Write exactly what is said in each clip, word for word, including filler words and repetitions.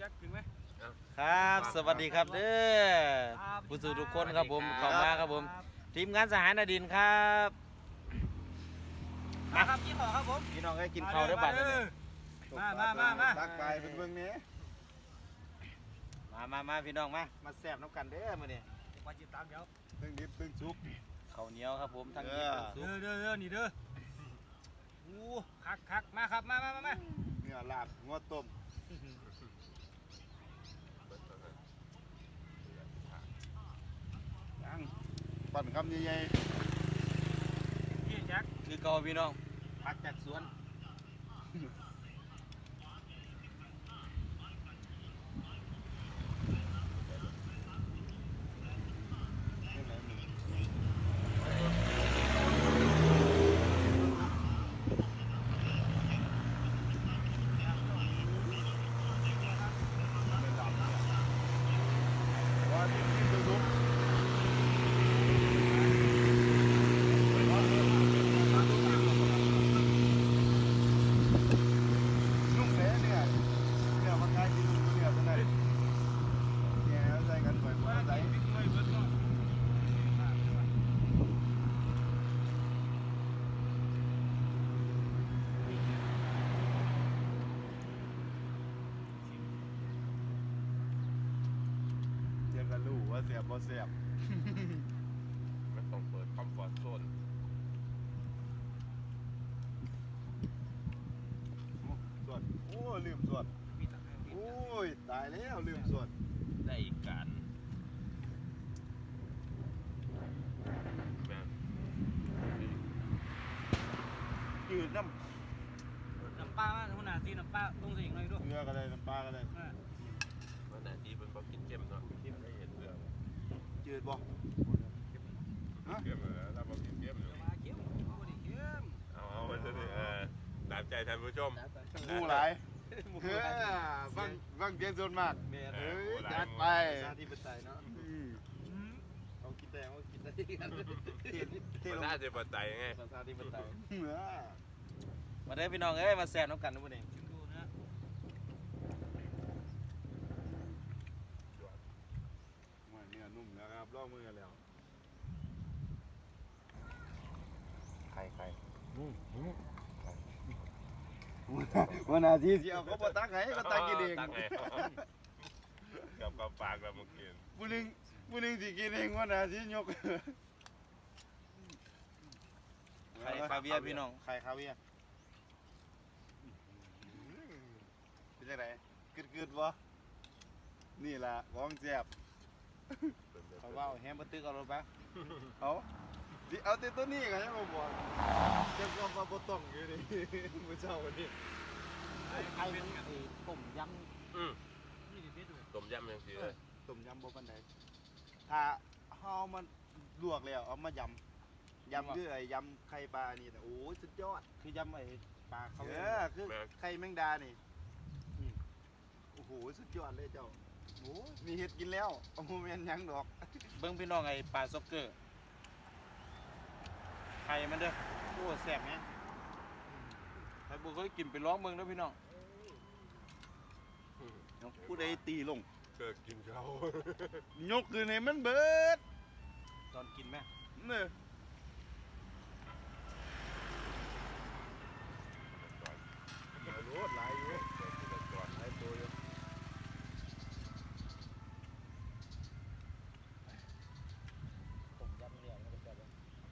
จ็คถึงไหมครับสวัสดีครับเด้อผู้สื่อทุกคนครับผมเข้ามาครับผมทีมงานสหายนาดินครับมาครับกินต่อครับผมพี่น้องให้กินข้าวได้บัดเลยมามามามาตักไปเป็นเบื้องนี้มามามาพี่น้องมามาแซ่บน้ำกันเด้อมื้อนี้มาจิตตามเดี๋ยวตึงดิบตึงชุกข้าวเหนียวครับผมทั้งยิบทั้งซุเด้ปอเด้อเด้อนี่เด้อโอ้คักคักมาครับมามามามาเนื้อลาบงวดต้มยังปั่นคำใหญ่พี่แจ็คคือเก่าพี่น้องผักจากสวนๆว่าดิบตึงชุกนุ่มแท้เนี่ยเนี่ยมันง่ายกินนุ่มเนี่ยเท่านั้นเนี่ยใส่กันบ่อยๆใส่บิ๊กไว้เบิร์ดเนาะเดี๋ยวก็รู้ว่าเสียบบ่เสียบไม่ต้องเปิดคอมฟอร์ตโซนส่วนโอ้ลืมส่วนมีตักให้โอ้ยตายแล้วลืมส่วนได้อีกการแบบจืดน้น้ำปลามาหัวหน้าซีน้ำปลาต้องใส่อีกหน่อยด้วยำเนื้อก็ได้น้ำปลาก็ได้วันไหนที่เป็นบอกกินเค็มเนาะที่ได้เห็นเรื่องจืดบ่เค็มเลยแล้วบอกกินเค็มอยู่มาเค็มเอาดิเค็มเอาเอามันจะได้เออตามใจท่านผู้ชมหมูหลายเฮ้ยฟังฟังเสียงส่วนมากเอเฮ้อยจัดไปชาติปไตยเนาะอืมเอากินแต่เอากินได้กันเทศเทศภาลงษาเทปไตยไงชาติปไตยเนื้อมาได้อพี่น้องเอ้ยมาแซ่บน้ำกันทุกคนเองชิมดูนะว่าเนื้อนุ่มแล้วครับลอกมือกันแล้วไข่ไข่วันอาทิตย์สิเอาเขาบ่ตักให้ก็ตักกินเองตักไงกับกับปากเราเมื่อกี้ผู้หนึงผู้หนึงสิกินเองวันอาทิตย์ยกไข่คาเวียร์พี่น้องไข่คาเวียร์เป็นจังไดกึดๆบ่นี่ล่ะของแซ่บเขาว่าแฮมบะตึกเอารถไปเอาสิเอาแต่ตัวนี้ก็ยังบ่บอกเจ้าก็มาบ่ต้องอยู่นี่ มื้อเช้าวันนี้ไข่ไข่ต้มยอืมนี่ดิเบ็ดด้วยต้มยำยังสิเลยต้มยำบ่ปานใดถ้าเฮามันลวกแล้วเอามายำยำคือไอ้ยำไข่ปลานี่แต่โอ้ยสุดยอดำคือยำไอ้ปลาเขาเออคือไข่แมงดานี่อืมโอ้โหสุดยอดเลยเจ้าโอ้ยมีเห็ดกินแล้วเอาโมเมนต์ยังดอกเบิ้งพี่น้องไอ้ปลาซ็อกเกอร์ไข่มันเด้อโอ้แซ่บแฮะใครบ่เคยกินไปลองเบิ่งเด้อพี่น้องผู้ใดตีลงเกิดกินเขายกขึ้นให้มันเบิดตอนกินแม่เน้อรู้หลายอยู่เกิดกินก่อนหลายตัวอยู่ผมยำเหนียวมันก็แซ่บเลย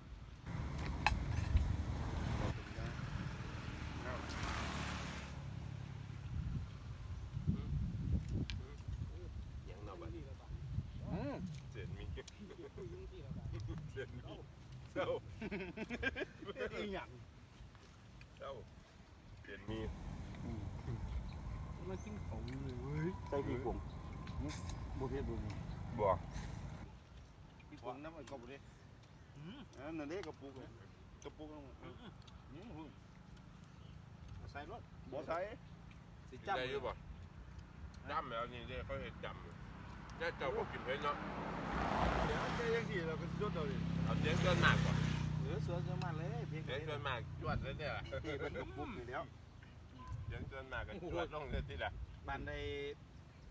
ยังเนาะบัดอืมเสียนมีเก็บคุยยุ่งที่แล้วกันเสียนมีเจ้าอีหยังเจ้าเสียนมีมากินของเลยเว้ยใส่พี่ผงบ่เผ็ดบ่มีบอกพี่ผงน้ำมันกบเลยอืมอันนั่นเด้กระปุกเลยกระปุกลงมาอืมใส่รสบ่ใส่สิกินจับได้อยู่บ่จำแล้วนี่เด้เขาเห็นจำอยู่เนี่ยเจ้าก็กินเผ็ดเนาะเดี๋ยวแกยังสิเราก็สุดเอาดิเอาเสียงเกินมากก่อนเหลือเสือจะมาเลยเพียงเสียงเกินมากจวดเลยเนี่ยล่ะเอ้เป็นกระปุกนี่แล้วเสียงเกินมากก็จวดลงเลยทีละบ้านใด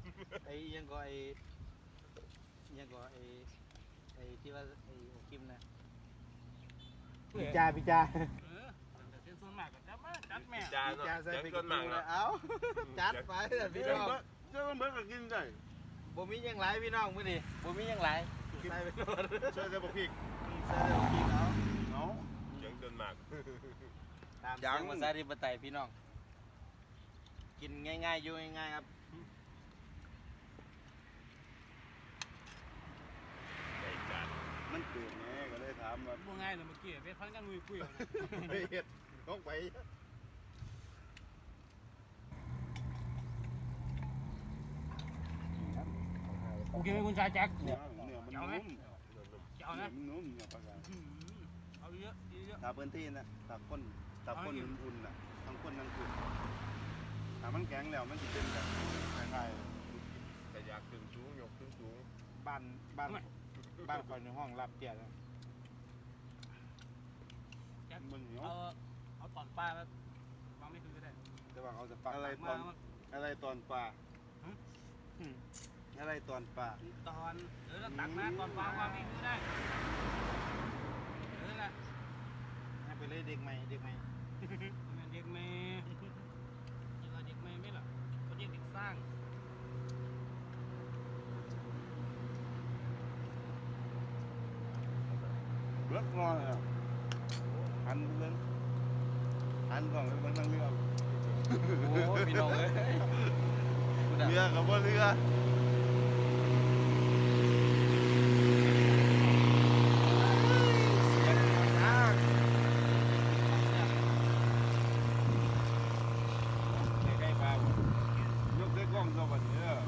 ไอ้ยังก็ไอ้ยังก็ไอ้ไอ้ที่ว่าไอ้หัวกิมนะพี่จ้าพี่จ้าเออแต่เส้นส่วนมากก็จับมาจัดแม่จานพี่จ้าเนาะใส่ยังไปต้นหมากเลเนาะยเอ้าจัดไปเลยพี่เดี๋ยวน้องเจ้ามันเบิกก็กินได้บ่มีหยังหลายพี่น้องมื้อนี้บ่มีหยังหลายใส่ไปโลดช่วยจะบอกพี่ใส่แล้วกินเอาเนาะยังต้นหมากตามเสียงภาษาธิปไตยพี่น้องกินง่ายๆอยู่ง่ายๆครับใส่จานมันเกิดไงก็เลยถามว่าบ่ง่ายเลยเมื่อกี้ไปพันกันคุยคุยเอาไปเฮ็ดต้องไปโอเคคุณชายแจ็คเนื้อเนื้อมันนุ่มจะเอาเนื้นะอมันนุ่มเนื้อปลากาอืมเอาเยอะเยอะตาพื้นที่นะตาก้นตาก้นอุ่นๆน่ะทั้งก้นทั้งอุ่นถ้ามันแข็งแล้วมันจะเป็นแบบคล้ายแต่อยากขึ้นสูงยกขึ้นสูงบ้านบ้านบ้านก่อนในห้องรับเกียรติแจ็คๆมันเหนียวเอาเอาตอนป้าแล้ววางไม่คือก็ได้แต่ว่าเขาจะปักอะไรตมาอนอะไรตอนปลาฮะอืมอะไรตอนปลาตอนเออแล้วตักมาตอนวางวางไม่คือได้เออละให้ไปเลยเด็กใหม่เด็กใหม่เด็กเมย์เด็กเด็กเมย์ไม่หรอเขาเรียกเด็กสร้างเลือกงอเลยอะหันเรื่องหันก่อนไปเบิ่งทางเรือโอ้พี่น้องเอ้ยเรือกับว่าเรือใกล้ๆปลาบ่ยกด้วยกล้องตัวบัดนี้เด้อ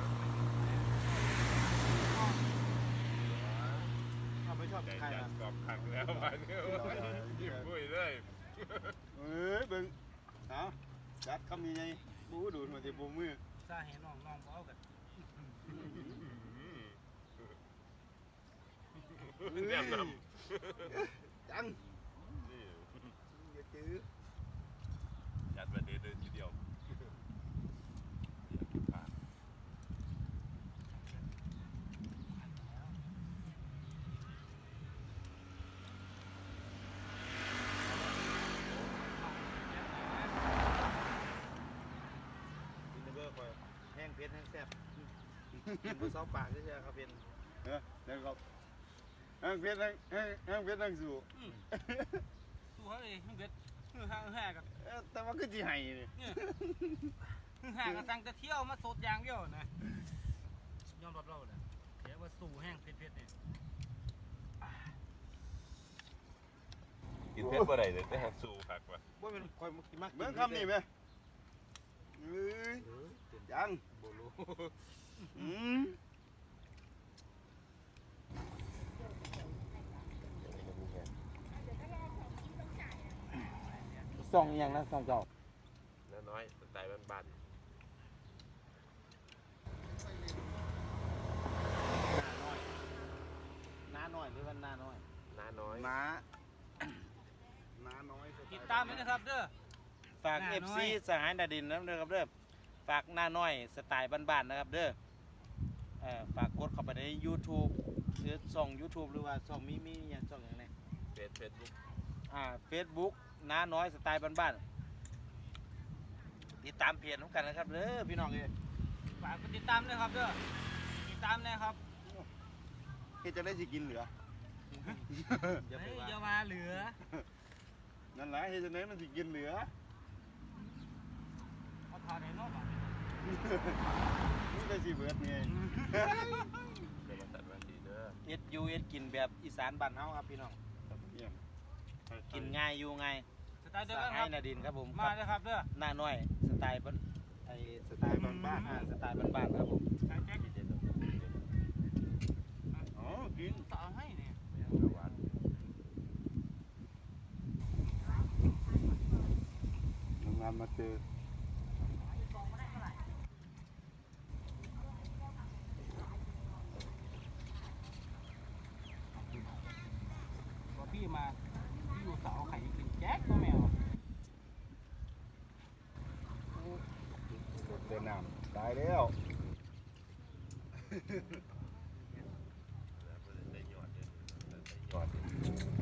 เขาไม่ชอบแต่ใครจานนะกรอบขักแล้ววันนี้ยิ้มปุ้ยเลยเอ้ยเบิ่งเอาจัดคำนี้ไงบูดูดมาที่บูมือซาเห็นน้องน้องเขาเอากันแนมนจังำนี่อย่าจื้อจัดมาเดินทีเดียวอยากกินปลากินเบอร์คอยแห้งเผ็ดแห้งแซ่บกินบนเสาปากใช่ไหมครับเป็นเออเดี๋ยวก็แห้งเผ็ดแห้งแห้งแห้งเผ็ดแห้งสู่ตัวเขาเลยฮึ่งเด็ดฮึ่งห่างฮึ่งห่างกันเอ้อแต่ว่าคือสิให้นี่เนี่ยฮึ่งห่างกันสั่งจะเที่ยวมาสดอย่างเดียวนะยอมรับเราเลยเดี๋ยวว่าสู่แห้งเผ็ดๆเนี่ยกินเพชรบ่ได้เลยแต่หักสู้คักว่ะว่าเป็นคอยมักเบิ่งคำนี้ไหมเอ้ยจังโบลูอืมซองอย่างนะซองเก่าน้อยสไตล์บ้านหน้าน้อยหรือว่าหน้าน้อยๆน้าน้อยน้าน้าน้อยติดตามด้วยนะครับเด้อฝากหน้าเอฟน้อซียสหายนาดินนะครับเด้อฝากหน้าน้อยสไตล์บ้านๆนะครับเด้อเอ่อฝากกดเข้าไปใน YouTube หรือช่อง YouTube หรือว่าช่องมีมีอย่างช่องอย่างไรเฟซเฟซบุ๊กอ่า Facebook น้าน้อยสไตล์บ้านๆติดตามเพจของกันนะครับเด้อพี่น้องเอ้ยฝากกดติดตามด้วยครับเด้อติดตามนะครับเฮ็ดจะได้สิกินเหลืออย่าไปเฮ้ยว่าอย่ามาเหลือนั่นแหละเฮ็ดจะได้มันสิกินเหลือเอาทานไหนนอกอ่ะนี่ได้สิเบิดไงเดี๋ยวมาตัดวันดีเด้อเอ็ดอยูเอ็ดกินแบบอีสานบ้านเฮาครับพี่น้องเยี่ยมกินง่ายอยู่ง่ายสไตล์เดียวสกันคหารัยบนาดินครับผมมาเลยครับเด้อหน้าน้อยสไตล์บ้านไอสไตล์บ้านๆอ่าสไตล์บ้านๆครับผมใช้แจ็คอ๋อกินสาวให้เนี่ยงานมาเจอพอพี่มาพี่อยู่เสาไข่กินแจ็คก็แมวเดินน้ำตายแล้วแล้วก็ได้ยอดเนี่ยได้ยอดเนี่ย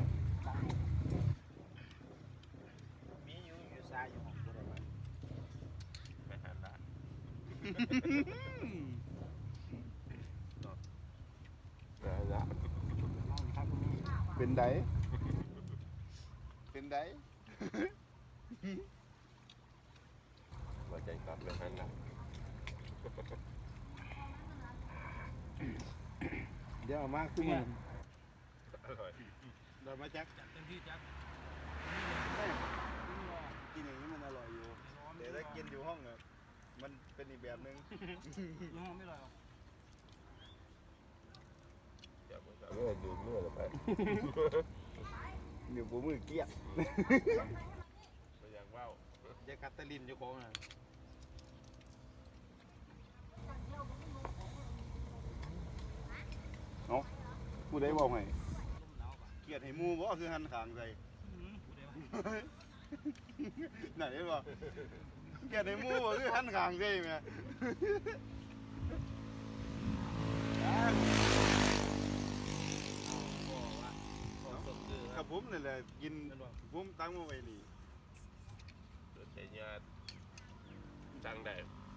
มีอยู่อยู่ซ้ายอยู่ห้องบ่ได้ว่าไม่หันละได้ละเป็นไดเป็นไดหัวใจกลับไม่หันละเดี๋ยวเอามากขึ้นมาอร่อยเดี๋ยวมาแจ็คจัดเต็มที่จัดกินอย่างนี้มันอร่อยอยู่แต่ถ้ากินอยู่ห้องอะมันเป็นอีกแบบนึงยังไม่ลอยหรอกเดี๋ยวผมจะเลื่อนดูเลื่อนไปเดี๋ยวผมมือเกลียดไปยังว่าวจะกัดตะลินอยู่ของน่ะกูได้บอกให้ลมหนาวป่ะเกลียดให้หมูบ่คือหันขางใส่อืมกูได้ว่าไหนบ่เกลียดให้หมูบ่คือหันขางใส่แม่ กับผมนี่แหละกินผมตั้งมาไว้นี่สนใจญาติสั่งได้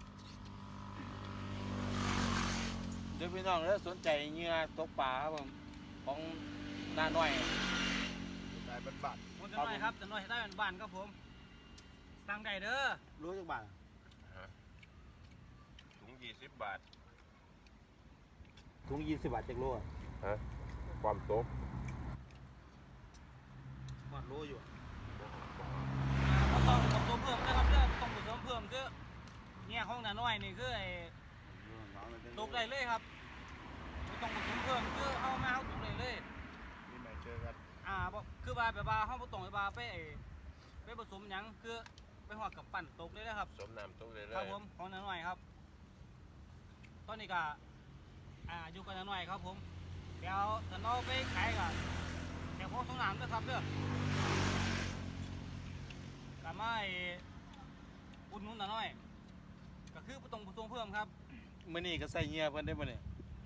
เดี๋ยวพี่น้องเด้อสนใจเหยื่อตกปลาครับผมของน้าน้อยสายบัดผมจะน้อยครับจะน้อยให้ได้เป็นบ้านครับผมสั่งได้เด้อๆรู้จักบาทถุงยี่สิบบาทถุงยี่สิบบาทจากโลอะฮะความโต๊ะหอดโลอยู่อ่าต้องผสมเพิ่มนะครับเด้อต้องผสมเพิ่มคือเนี่ยห้องหนาน้อยนี่คือไอ้ตกได้เลยครับไม่ต้องผสมเพิ่มคือเอามาเอาตกได้เลยนี่ไม่เจอกันอ่าบ่คือว่าแบบว่าเฮาบ่ต้องไปว่าไปไอ้ไปผสมหยังคือไปฮอดกับปั่นตกเลยนะครับสมน้ำโต๊ะเลยเลครับยผมของหนาน้อยครับ ตอนนี้ก็อ่าอยู่กับหนาน้อยครับผมเดี๋ยวถ้าเราไปขายก็แถวพวกสงน้ำด้วยครับเด้อกลับมาไอ้อุดหนุนหนาน้อย ก็คือบ่ต้องผสมเพิ่มครับมื้อนี้ก็ใส่เหยื่อเพิ่นได้บ่เนี่ย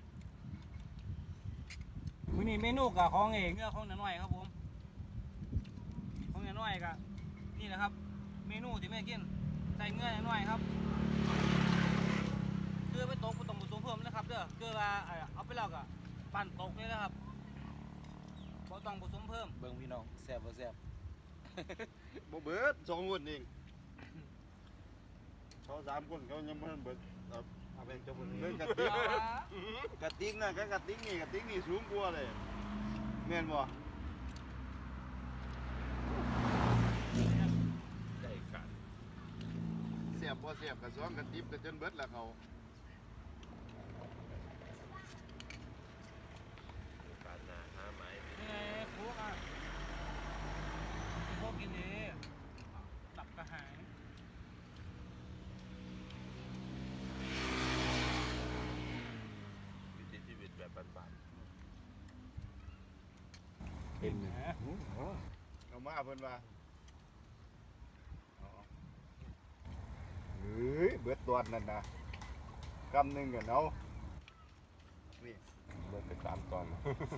มื้อนี้เมนูก็ของเองเนื้อของหนาน้อยครับผมของหนาน้อยก็นี่แหละครับ เมนูที่แม่กินใส่เนื้อหนาน้อยครับ คือไปตกบ่ต้องผสมเพิ่มนะครับเด้อคือว่าเอ่อเอาไปแล้วก็ปั่นตกเลยนะครับบ่ต้องผสมเพิ่มเบิ่งพี่น้องแซ่บบ่แซ่บบ่เบิดสองคนเองเขาสามคนเขายังบ่ทันเบิดเอาเอาเป็นจบมื้อเรื่นี้องกระติกกระติกน่ะก็กระติกนี่กระติกนี่สูงกว่าเลยแม่นบ่ได้กันเสียบบ่เสียบก็สองกระติบก็จนเบิดแล้วเขาการหนาหาไม้นี่ไงพวกอ่ะพวกกินดีตับกระหายวิถีชีวิตแบบบ้านเต็มนะเอามาเพิ่นว่าเฮ้ยเบิดตอนนั่นนะกำหนึงกันเอานี่ๆเมื่อไปสามตอน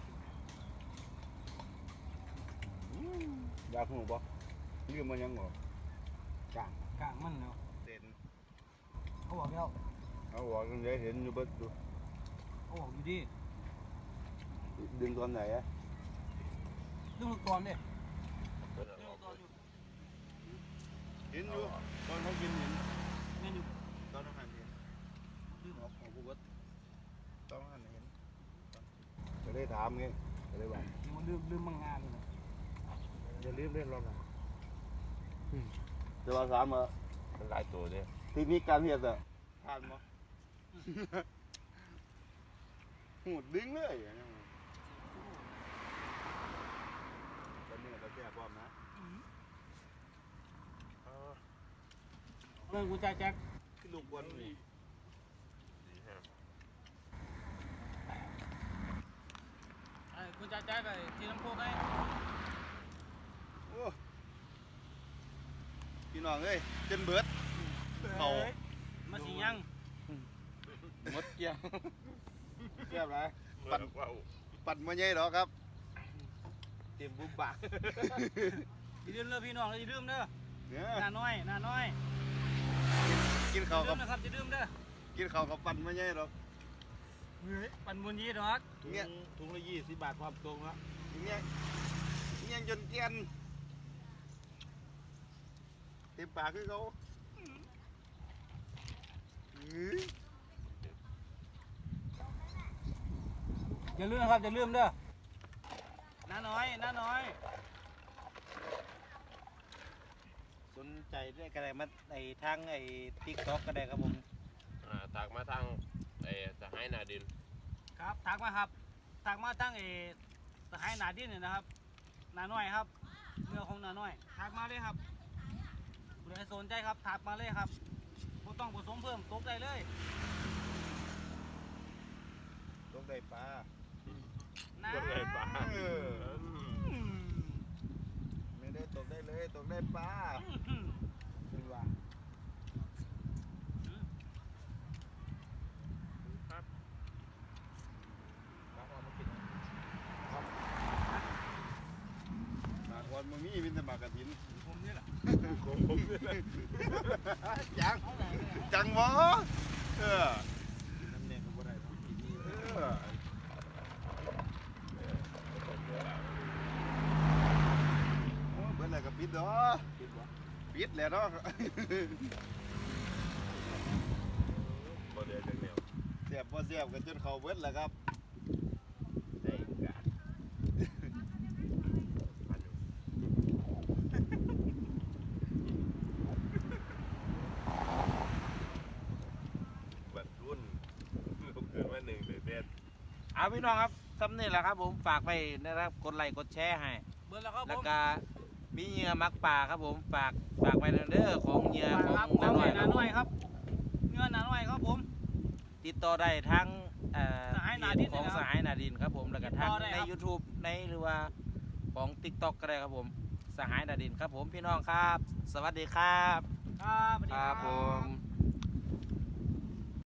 อยากหูบ่ลืมมันยังบ่กลางกลางมันเนาะเด่นเขาบอกแล้วเอาบอกกันได้เห็นอยู่เบิดดูเขาบอกอยู่ดีดึงตอนไหนอะเรื่องลูกตอนเด้เพิ่นเรื่องเอาลูกตอนอยู่เห็นอยู่ตอนเขากินเห็นแม่นอยู่ตอนเขาหันเห็นลืมออกของกูเบิดตอนเขาหันเห็นก็เลยถามไงก็เลยว่ายังมันลืมลืมบางงานเลยนะอย่าลืมเล่นรอบหลังจะว่าถามว่ามันหลายตัวเนี่ยเทคนิคการเฮ็ดอะทานบ่ หูดดึงเลยอย่างนี้ตอนนี้เราแก้ความนะเรื่องกูจ่ายแจ็คขึ้นลูกบอลนี่ดีฮะไอ้กูจ่ายแจ็คไอ้ที่น้ำโคกไอ้โอ้พี่น้องเอ้ยจนเบิด เขามาสิยังหมดเกลี้ยงเรียบไรปั่นว้าวปั่นมาใหญ่หรอครับเต็มบุบบะอย่าลืมเด้อพี่น้องอย่าลืมเด้อเนี่ยหน้าน้อยหน้าน้อยกินอย่าข้าวลืกับมนะครับอย่าลืมเด้อกินข้าวกับปั่นมาใหญ่หรอกเฮ้ยปั่นบนยีดอกถุงถุงละยี่สิบบาทความตรงละเนี่ยเนี่ยจนเกลียนเต็มปากคือเขาอื้ออย่าลืมนะครับอย่าลืมเด้อหน้าน้อยหน้าน้อยสนใจได้ก็ได้มาไอ้ทางไอ้ติ๊กต็อกก็ได้ครับผมอ่าตากมาทางไอ้สหายนาดินครับทักมาครับทักมาตั้งเอสหายหนาดินเนี่ยนะครับหนาน้อยครับเนื้อของหนาน้อยทักมาเลยครับผู้ใดสนใจครับทักมาเลยครับบ่ต้องผสมเพิ่มตกได้เลยตกได้ปลานะตกได้ปลาเอออืมไม่ได้ตกได้เลยตกได้ปลาอืมเป็นว่าครับหมากวันมึงมีเป็นแต่หมากกระถินผมนี่แหละผมผมนี่แหละจังเอาไหนเนี่ยจังวะเออน้ำเนี่ยก็บ่ได้ครับเออโอ้ยเบิดอะไรกับปิดเนาะคิดว่าปิดแหละเนาะบ่เดือดจังแนวเสียบพอเสียบกันจนเขาเบิดแหละครับได้การปั่นอยู่บัดรุ่นลูกเกิดมาหนึ่งเด็ดเอาพี่น้องครับซ้ำนี่แหละครับผมฝากไปนะครับกดไลค์กดแชร์ให้เบิร์แล้วครับผแล้วมก็มีเหยื่อมักป่าครับผมฝากฝากไปเด้อของเหยื่อของครับน้าน้อยหนาน้อยครับเนื้อหนาน้อยครับผมติดต่อได้ทั้งเอ่อสหายนาดินของนะครับสหายนาดินครับผมแล้วก็ทั้งติดต่อได้ในครับ YouTube ในหรือว่าของ TikTok ก็ได้ครับผมสหายนาดินครับผมพี่น้องครับ สวัสดีครับครับสวัสดีครับผม